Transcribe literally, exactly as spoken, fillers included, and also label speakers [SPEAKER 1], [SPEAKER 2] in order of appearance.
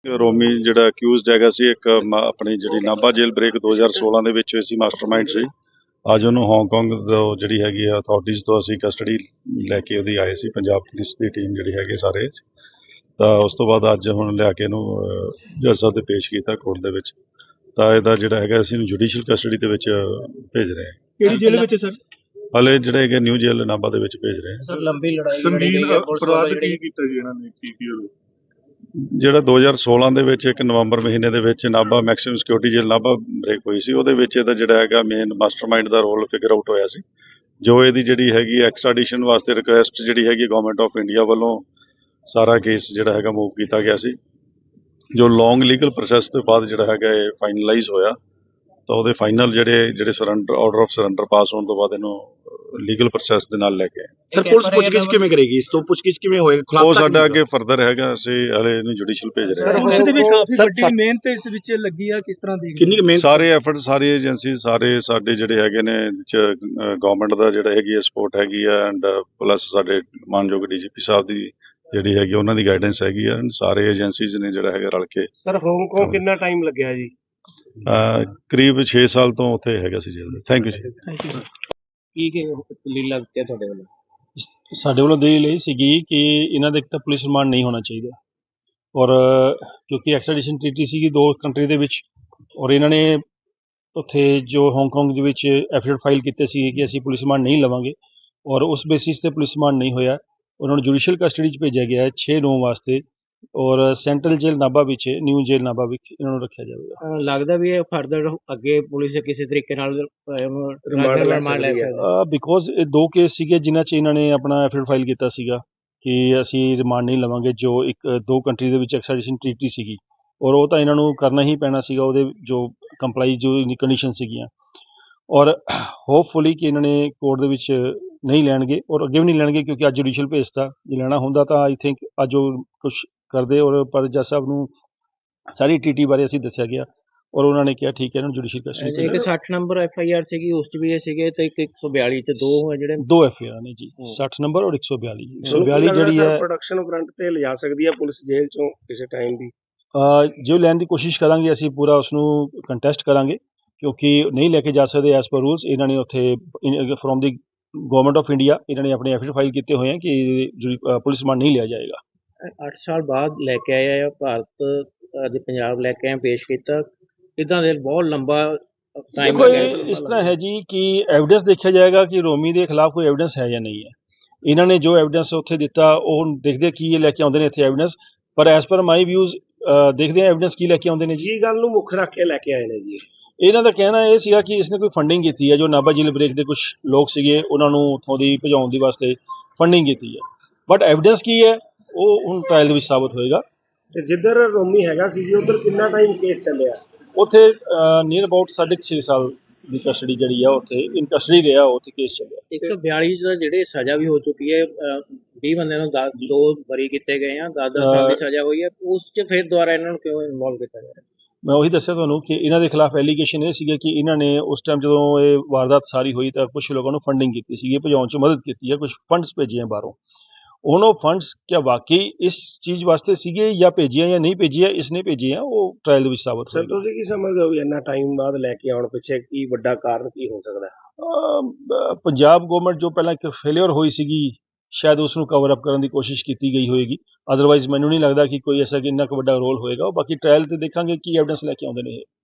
[SPEAKER 1] ਰੋਮੀ ਜਿਹੜਾ ਅਕਿਊਜ਼ਡ ਹੈਗਾ ਸੀ ਇੱਕ ਮ- ਆਪਣੀ ਜਿਹੜੀ ਨਾਭਾ ਜੇਲ੍ਹ ਬ੍ਰੇਕ ਦੋ ਹਜ਼ਾਰ ਸੋਲਾਂ ਦੇ ਵਿੱਚ ਹੋਈ ਸੀ, ਮਾਸਟਰਮਾਈਂਡ ਸੀ। ਅੱਜ ਉਹਨੂੰ ਹਾਂਗਕਾਂਗ ਤੋਂ ਜਿਹੜੀ ਹੈਗੀ ਆ ਅਥਾਰਟੀਜ਼ ਤੋਂ ਅਸੀਂ ਕਸਟਡੀ ਲੈ ਕੇ ਉਹਦੀ ਆਏ ਸੀ, ਪੰਜਾਬ ਪੁਲਿਸ ਦੀ ਟੀਮ ਜਿਹੜੀ ਹੈਗੀ ਸਾਰੇ। ਤਾਂ ਉਸ ਤੋਂ ਬਾਅਦ ਅੱਜ ਹੁਣ ਲਿਆ ਕੇ ਇਹਨੂੰ ਅਹ, ਜੱਜ ਸਾਹਿਬ ਦੇ ਪੇਸ਼ ਕੀਤਾ ਕੋਰਟ ਦੇ ਵਿੱਚ। ਤਾਂ ਇਹਦਾ ਜਿਹੜਾ ਹੈਗਾ ਅਸੀਂ ਇਹਨੂੰ ਜੁਡੀਸ਼ੀਅਲ ਕਸਟਡੀ ਦੇ ਵਿੱਚ ਭੇਜ ਰਹੇ ਹਾਂ।
[SPEAKER 2] ਕਿਹੜੀ ਜੇਲ੍ਹ ਵਿੱਚ ਸਰ?
[SPEAKER 1] ਹਾਲੇ ਜਿਹੜੇ ਹੈਗੇ ਨਿਊ ਜੇਲ੍ਹ ਨਾਭਾ ਦੇ ਵਿੱਚ ਭੇਜ ਰਹੇ ਹਾਂ।
[SPEAKER 2] ਸਰ ਲੰਬੀ ਲੜਾਈ
[SPEAKER 3] ਸੰਗੀਨ ਅਪਰਾਧ ਕੀ ਕੀਤਾ ਜੀ ਇਹਨਾਂ ਨੇ, ਕੀ ਕੀ ਹੋਇਆ?
[SPEAKER 1] ਜਿਹੜਾ ਦੋ ਹਜ਼ਾਰ ਸੋਲਾਂ ਦੇ ਵਿੱਚ ਇੱਕ ਨਵੰਬਰ ਮਹੀਨੇ ਦੇ ਵਿੱਚ ਨਾਭਾ ਮੈਕਸਿਮਮ ਸਿਕਿਉਰਿਟੀ ਜੇਲ੍ਹ ਨਾਭਾ ਬ੍ਰੇਕ ਹੋਈ ਸੀ, ਉਹਦੇ ਵਿੱਚ ਇਹਦਾ ਜਿਹੜਾ ਹੈਗਾ ਮੇਨ ਮਾਸਟਰਮਾਈਂਡ ਦਾ ਰੋਲ ਫਿਗਰ ਆਊਟ ਹੋਇਆ ਸੀ। ਜੋ ਇਹਦੀ ਜਿਹੜੀ ਹੈਗੀ ਐਕਸਟ੍ਰਾਡੀਸ਼ਨ ਵਾਸਤੇ ਰਿਕੁਐਸਟ ਜਿਹੜੀ ਹੈਗੀ ਗਵਰਨਮੈਂਟ ਆਫ ਇੰਡੀਆ ਵੱਲੋਂ ਸਾਰਾ ਕੇਸ ਜਿਹੜਾ ਹੈਗਾ ਮੂਵ ਕੀਤਾ ਗਿਆ ਸੀ। ਜੋ ਲੌਂਗ ਲੀਗਲ ਪ੍ਰੋਸੈਸ ਤੋਂ ਬਾਅਦ ਜਿਹੜਾ ਹੈਗਾ ਇਹ ਫਾਈਨਲਾਈਜ਼ ਹੋਇਆ, ਤਾਂ ਉਹਦੇ ਫਾਈਨਲ ਜਿਹੜੇ ਜਿਹੜੇ surrender order of surrender pass ਹੋਣ ਤੋਂ ਬਾਅਦ ਇਹਨੂੰ ਲੀਗਲ ਪ੍ਰੋਸੈਸ ਦੇ ਨਾਲ ਲੈ ਕੇ ਆਏ।
[SPEAKER 2] ਸਰ ਪੁਲਿਸ ਪੁੱਛਗਿੱਛ ਕਿਵੇਂ ਕਰੇਗੀ? ਇਸ ਤੋਂ ਪੁੱਛਗਿੱਛ ਕਿਵੇਂ ਹੋਏਗਾ?
[SPEAKER 1] ਉਹ ਸਾਡਾ ਅੱਗੇ ਫਰਦਰ ਹੈਗਾ, ਅਸੀਂ ਹਲੇ ਇਹਨੂੰ ਜੁਡੀਸ਼ੀਅਲ ਭੇਜ ਰਹੇ ਹਾਂ।
[SPEAKER 2] ਪੁਲਿਸ ਦੇ ਵੀ ਕਾਫੀ ਵੱਡੀ ਮਿਹਨਤ ਇਸ ਵਿੱਚ ਲੱਗੀ ਆ, ਕਿਸ ਤਰ੍ਹਾਂ ਦੀ ਕਿੰਨੀ ਮਿਹਨਤ?
[SPEAKER 1] ਸਾਰੇ ਐਫਰਟ ਸਾਰੀ ਏਜੰਸੀ ਸਾਰੇ ਸਾਡੇ ਜਿਹੜੇ ਹੈਗੇ ਨੇ ਗਵਰਨਮੈਂਟ ਦਾ ਜਿਹੜਾ ਹੈਗੀ ਹੈ ਸਪੋਰਟ ਹੈਗੀ ਆ, ਐਂਡ ਪਲੱਸ ਸਾਡੇ ਮਾਨਯੋਗ ਡੀਜੀਪੀ ਸਾਹਿਬ ਦੀ ਜਿਹੜੀ ਹੈਗੀ ਉਹਨਾਂ ਦੀ ਗਾਈਡੈਂਸ ਹੈਗੀ ਆ। ਸਾਰੇ ਏਜੰਸੀਜ਼ ਨੇ ਜਿਹੜਾ ਹੈਗਾ ਰਲ ਕੇ।
[SPEAKER 2] ਸਰ ਹਾਂਗਕਾਂਗ ਕਿੰਨਾ ਟਾਈਮ ਲੱਗਿਆ ਜੀ?
[SPEAKER 1] ਅਹ, ਕਰੀਬ ਛੇ ਸਾਲ ਤੋਂ ਉੱਥੇ ਹੈਗਾ ਸੀ ਜੇਲ੍ਹ। ਥੈਂਕ ਯੂ ਜੀ।
[SPEAKER 2] Thank you. ਕੀ ਕੀ ਦਲੀਲ ਲੱਗਦੀ ਹੈ ਤੁਹਾਡੇ ਵੱਲੋਂ?
[SPEAKER 4] ਸਾਡੇ ਵੱਲੋਂ ਦਲੀਲ ਇਹ ਸੀਗੀ ਕਿ ਇਹਨਾਂ ਦਾ ਇੱਕ ਤਾਂ ਪੁਲਿਸ ਰਿਮਾਂਡ ਨਹੀਂ ਹੋਣਾ ਚਾਹੀਦਾ, ਔਰ ਕਿਉਂਕਿ ਐਕਸਟ੍ਰੈਡੀਸ਼ਨ ਟ੍ਰੀਟੀ ਸੀਗੀ ਦੋ ਕੰਟਰੀ ਦੇ ਵਿੱਚ, ਔਰ ਇਹਨਾਂ ਨੇ ਉੱਥੇ ਜੋ ਹਾਂਗਕਾਂਗ ਦੇ ਵਿੱਚ ਐਫੀਡੇਵਿਟ ਫਾਈਲ ਕੀਤੇ ਸੀ ਕਿ ਅਸੀਂ ਪੁਲਿਸ ਰਿਮਾਂਡ ਨਹੀਂ ਲਵਾਂਗੇ, ਔਰ ਉਸ ਬੇਸਿਸ ਤੇ ਪੁਲਿਸ ਰਿਮਾਂਡ ਨਹੀਂ ਹੋਇਆ। ਉਹਨਾਂ ਨੂੰ ਜੁਡੀਸ਼ੀਅਲ ਕਸਟਡੀ 'ਚ ਭੇਜਿਆ ਗਿਆ ਹੈ ਛੇ ਨੌਂ ਵਾਸਤੇ, ਔਰ ਸੈਂਟਰਲ ਜੇਲ੍ਹ ਨਾਭਾ ਵਿੱਚ ਨਿਊ ਜੇਲ੍ਹ ਨਾਭਾ ਵਿੱਚ ਇਹਨਾਂ ਨੂੰ ਰੱਖਿਆ ਜਾਵੇਗਾ।
[SPEAKER 2] ਲੱਗਦਾ ਵੀ ਇਹ ਫਰਦਰ ਅੱਗੇ ਪੁਲਿਸ ਕਿਸੇ ਤਰੀਕੇ ਨਾਲ ਰਿਮਾਂਡ ਲੈ ਸਕਦੀ ਹੈ?
[SPEAKER 4] ਬਿਕੋਜ਼ ਇਹ ਦੋ ਕੇਸ ਸੀਗੇ ਜਿਨ੍ਹਾਂ 'ਚ ਇਹਨਾਂ ਨੇ ਆਪਣਾ ਐਫੀਡੇਵਿਟ ਫਾਈਲ ਕੀਤਾ ਸੀਗਾ ਕਿ ਅਸੀਂ ਰਿਮਾਂਡ ਨਹੀਂ ਲਵਾਂਗੇ, ਜੋ ਇੱਕ ਦੋ ਕੰਟਰੀ ਦੇ ਵਿੱਚ ਐਕਸਟ੍ਰੈਡੀਸ਼ਨ ਟ੍ਰੀਟੀ ਸੀਗੀ, ਔਰ ਉਹ ਤਾਂ ਇਹਨਾਂ ਨੂੰ ਕਰਨਾ ਹੀ ਪੈਣਾ ਸੀਗਾ, ਉਹਦੇ ਜੋ ਕੰਪਲਾਈ ਜੋ ਕੰਡੀਸ਼ਨ ਸੀਗੀਆਂ। ਔਰ ਹੋਪਫੁਲੀ ਕਿ ਇਹਨਾਂ ਨੇ ਕੋਰਟ ਦੇ ਵਿੱਚ ਨਹੀਂ ਲੈਣਗੇ, ਔਰ ਅੱਗੇ ਵੀ ਨਹੀਂ ਲੈਣਗੇ, ਕਿਉਂਕਿ ਅੱਜ ਜੁਡੀਸ਼ੀਅਲ ਭੇਜਤਾ। ਜੇ ਲੈਣਾ ਹੁੰਦਾ ਤਾਂ ਆਈ ਥਿੰਕ ਅੱਜ ਉਹ ਕੁਛ ਕਰਦੇ, ਔਰ ਪਰ ਜੱਜ ਸਾਹਿਬ ਨੂੰ ਸਾਰੀ ਟੀਟੀ ਬਾਰੇ ਅਸੀਂ ਦੱਸਿਆ ਗਿਆ, ਔਰ ਉਹਨਾਂ ਨੇ ਕਿਹਾ ਠੀਕ ਹੈ ਇਹਨਾਂ ਨੂੰ ਜੁਡੀਸ਼ੀਅਲ ਕਸਟਡੀ।
[SPEAKER 2] ਇੱਕ ਸੱਠ ਨੰਬਰ ਐਫ ਆਈ ਆਰ ਸੀਗੀ, ਉਸ 'ਚ ਵੀ ਇਹ ਸੀਗੇ, ਤੇ ਇੱਕ ਇੱਕ ਸੌ ਬਿਆਲੀ ਤੇ ਦੋ ਹੈ ਜਿਹੜੇ
[SPEAKER 4] ਦੋ ਐਫ ਆਈ ਆਰ ਨੇ ਜੀ, ਸੱਠ ਨੰਬਰ ਔਰ ਇੱਕ ਸੌ ਬਿਆਲੀ। ਇੱਕ ਸੌ ਬਿਆਲੀ ਜਿਹੜੀ ਹੈ
[SPEAKER 2] ਪ੍ਰੋਡਕਸ਼ਨ ਫਰੰਟ ਤੇ ਲਿਜਾ ਸਕਦੀ ਹੈ ਪੁਲਿਸ ਜੇਲ੍ਹ ਚੋਂ ਕਿਸੇ ਟਾਈਮ ਵੀ।
[SPEAKER 4] ਜੋ ਲੈਣ ਦੀ ਕੋਸ਼ਿਸ਼ ਕਰਾਂਗੇ ਅਸੀਂ ਪੂਰਾ ਉਸ ਨੂੰ ਕੰਟੈਸਟ ਕਰਾਂਗੇ, ਕਿਉਂਕਿ ਨਹੀਂ ਲੈ ਕੇ ਜਾ ਸਕਦੇ ਐਸ ਪਰ ਰੂਲਸ। ਇਹਨਾਂ ਨੇ ਉੱਥੇ from the government of India ਇਹਨਾਂ ਨੇ ਆਪਣੇ ਐਫੀਡੇਵਿਟ ਫਾਈਲ ਕੀਤੇ ਹੋਏ ਆ ਕਿ ਪੁਲਿਸ ਰਿਮਾਂਡ ਨਹੀਂ ਲਿਆ ਜਾਏਗਾ।
[SPEAKER 2] ਅੱਠ ਸਾਲ ਬਾਅਦ ਲੈ ਕੇ ਆਏ ਆ ਭਾਰਤ, ਅੱਜ ਪੰਜਾਬ ਲੈ ਕੇ ਆਏ, ਪੇਸ਼ ਕੀਤਾ। ਇੱਦਾਂ ਦੇ ਬਹੁਤ ਲੰਬਾ ਟਾਈਮ
[SPEAKER 4] ਦੇਖੋ ਇਸ ਤਰ੍ਹਾਂ ਹੈ ਜੀ ਕਿ ਐਵੀਡੈਂਸ ਦੇਖਿਆ ਜਾਏਗਾ ਕਿ ਰੋਮੀ ਦੇ ਖਿਲਾਫ ਕੋਈ ਐਵੀਡੈਂਸ ਹੈ ਜਾਂ ਨਹੀਂ ਹੈ। ਇਹਨਾਂ ਨੇ ਜੋ ਐਵੀਡੈਂਸ ਉੱਥੇ ਦਿੱਤਾ ਉਹ ਦੇਖਦੇ ਕੀ ਇਹ ਲੈ ਕੇ ਆਉਂਦੇ ਨੇ ਇੱਥੇ ਐਵੀਡੈਂਸ, ਪਰ ਐਜ਼ ਪਰ ਮਾਈ ਵਿਊਜ਼ ਦੇਖਦੇ ਆ ਐਵੀਡੈਂਸ ਕੀ ਲੈ ਕੇ ਆਉਂਦੇ ਨੇ ਜੀ।
[SPEAKER 2] ਇਹ ਗੱਲ ਨੂੰ ਮੁੱਖ ਰੱਖ ਕੇ ਲੈ ਕੇ ਆਏ ਨੇ ਜੀ।
[SPEAKER 4] ਇਹਨਾਂ ਦਾ ਕਹਿਣਾ ਇਹ ਸੀਗਾ ਕਿ ਇਸਨੇ ਕੋਈ ਫੰਡਿੰਗ ਕੀਤੀ ਹੈ, ਜੋ ਨਾਭਾ ਜੇਲ੍ਹ ਬ੍ਰੇਕ ਦੇ ਕੁਝ ਲੋਕ ਸੀਗੇ ਉਹਨਾਂ ਨੂੰ ਉੱਥੋਂ ਦੀ ਭਜਾਉਣ ਦੀ ਵਾਸਤੇ ਫੰਡਿੰਗ ਕੀਤੀ ਹੈ, ਬਟ ਐਵੀਡੈਂਸ ਕੀ ਹੈ ਉਹ ਹੁਣ ਟ੍ਰਾਇਲ ਦੇ ਵਿੱਚ ਸਾਬਤ ਹੋਏਗਾ।
[SPEAKER 2] ਤੇ ਜਿੱਧਰ ਰੋਮੀ ਹੈਗਾ ਸੀ ਜੀ ਉਧਰ ਕਿੰਨਾ ਟਾਈਮ ਕੇਸ ਚੱਲਿਆ?
[SPEAKER 4] ਉੱਥੇ ਨੀਅਰ ਅਬਾਊਟ ਸਾਢੇ ਛੇ ਸਾਲ ਦੀ ਕਸਟਡੀ ਜਿਹੜੀ ਆ ਉੱਥੇ ਇਨ ਕਸਟਡੀ ਰਿਹਾ, ਉੱਥੇ ਕੇਸ ਚੱਲਿਆ।
[SPEAKER 2] ਇੱਕ ਸੌ ਬਿਆਲੀ ਦਾ ਜਿਹੜੇ ਸਜ਼ਾ ਵੀ ਹੋ ਚੁੱਕੀ ਹੈ, ਵੀਹ ਬੰਦਿਆਂ ਨੂੰ ਦਸ ਦੋ ਬਰੀ ਕੀਤੇ ਗਏ ਆ, ਦਸ ਦਸ ਸਾਲ ਦੀ ਸਜ਼ਾ ਹੋਈ ਹੈ, ਉਸ 'ਚ ਫਿਰ ਦੁਬਾਰਾ ਇਹਨਾਂ ਨੂੰ ਕਿਉਂ ਇਨਵੋਲਵ ਕੀਤਾ ਜਾ ਰਿਹਾ?
[SPEAKER 4] ਮੈਂ ਉਹੀ ਦੱਸਿਆ ਤੁਹਾਨੂੰ ਕਿ ਇਹਨਾਂ ਦੇ ਖਿਲਾਫ ਐਲੀਗੇਸ਼ਨ ਇਹ ਸੀਗਾ ਕਿ ਇਹਨਾਂ ਨੇ ਉਸ ਟਾਈਮ ਜਦੋਂ ਇਹ ਵਾਰਦਾਤ ਸਾਰੀ ਹੋਈ ਤਾਂ ਕੁਝ ਲੋਕਾਂ ਨੂੰ ਫੰਡਿੰਗ ਕੀਤੀ ਸੀ, ਭਜਾਉਣ 'ਚ ਮਦਦ ਕੀਤੀ ਹੈ, ਕੁਝ ਫੰਡਸ ਭੇਜੇ ਬਾਹਰੋਂ। ਹੁਣ ਉਹ ਫੰਡਸ ਕਿਆ ਵਾਕਈ ਇਸ ਚੀਜ਼ ਵਾਸਤੇ ਸੀਗੇ ਜਾਂ ਭੇਜੀਆਂ ਜਾਂ ਨਹੀਂ ਭੇਜੀਆਂ, ਇਸਨੇ ਭੇਜੀਆਂ, ਉਹ ਟ੍ਰਾਇਲ ਦੇ ਵਿੱਚ ਸਾਬਤ ਹੋਏਗਾ।
[SPEAKER 2] ਸਰ ਤੁਸੀਂ ਕੀ ਸਮਝਦੇ ਹੋ ਵੀ ਇੰਨਾ ਟਾਈਮ ਬਾਅਦ ਲੈ ਕੇ ਆਉਣ ਪਿੱਛੇ ਕੀ ਵੱਡਾ ਕਾਰਨ ਕੀ ਹੋ ਸਕਦਾ?
[SPEAKER 4] ਪੰਜਾਬ ਗਵਰਨਮੈਂਟ ਜੋ ਪਹਿਲਾਂ ਇੱਕ ਫੇਲਿਅਰ ਹੋਈ ਸੀਗੀ, ਸ਼ਾਇਦ ਉਸ ਨੂੰ ਕਵਰ ਅਪ ਕਰਨ ਦੀ ਕੋਸ਼ਿਸ਼ ਕੀਤੀ ਗਈ ਹੋਏਗੀ। ਅਦਰਵਾਈਜ਼ ਮੈਨੂੰ ਨਹੀਂ ਲੱਗਦਾ ਕਿ ਕੋਈ ਐਸਾ ਕਿ ਇੰਨਾ ਕੁ ਵੱਡਾ ਰੋਲ ਹੋਏਗਾ। ਬਾਕੀ ਟ੍ਰਾਇਲ ਤੇ ਦੇਖਾਂਗੇ ਕੀ ਐਵੀਡੈਂਸ ਲੈ ਕੇ ਆਉਂਦੇ ਨੇ ਇਹ।